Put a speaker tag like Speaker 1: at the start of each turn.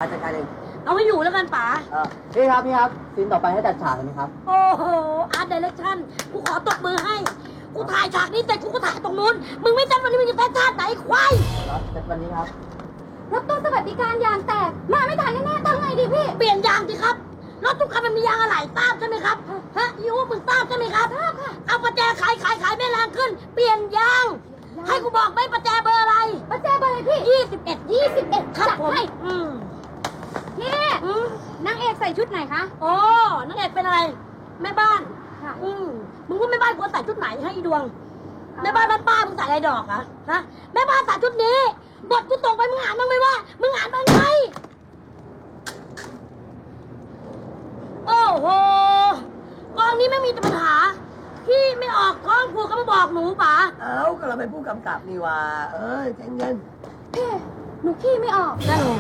Speaker 1: จัดการเอง
Speaker 2: เอาให้อยู่แล้วกันป๋า
Speaker 1: พี่ครับซีนต่อไปให้จัดฉากเลยไหมครับ
Speaker 2: โอ้โหอาร์ตไดเรคชั่นกูขอตบมือให้กูถ่ายฉากนี้แต่กูก็ถ่ายตรงนู้นมึงไม่จำวันนี้มึงจะแพ้ชาติไหนควาย
Speaker 1: ครับจัดวันนี้ครับ
Speaker 3: รถตู้สวัสดิการยางแตกมาไม่ทันแน่ๆทำไงดีพี่
Speaker 2: เปลี่ยนยางสิครับรถทุกคันมันมียางอะไหล่ทราบใช่ไหมครับฮะยูมึงทราบใช่ไหมครับ
Speaker 3: ทราบค่ะ
Speaker 2: เอาประแจขายไม่แรงขึ้น เปลี่ยนยาง ให้กูบอกไหมประแจเบอร์อะไร
Speaker 3: ประแจเบอร์เลยพี่
Speaker 2: 21ครับ
Speaker 3: จัด
Speaker 2: ผม
Speaker 3: ให้ พี่
Speaker 2: อืม
Speaker 3: นางเอกใส่ชุดไหนคะ
Speaker 2: โอ้นักเอกเป็นอะไรแม่บ้าน
Speaker 3: ค่ะ
Speaker 2: มึงว่าแม่บ้านควรใส่ชุดไหนให้อีดวงแม่บ้านป้ามึงใส่อะไรดอกอะฮะแม่บ้านใส่ชุดนี้บทกูตรงไปมึงอ่านบ้างไหมว่ามึงอ่านบ้างไหมโอ้โหกองนี้ไม่มีแต่ปัญหาพี่ไม่ออกท้องผูกก็มาบอกหนูป๋า
Speaker 1: ก็เราเป็นผู้กำกับนี่ว่าใจเย็น
Speaker 3: พี่หนูขี้ไม่ออก
Speaker 2: นั่นไง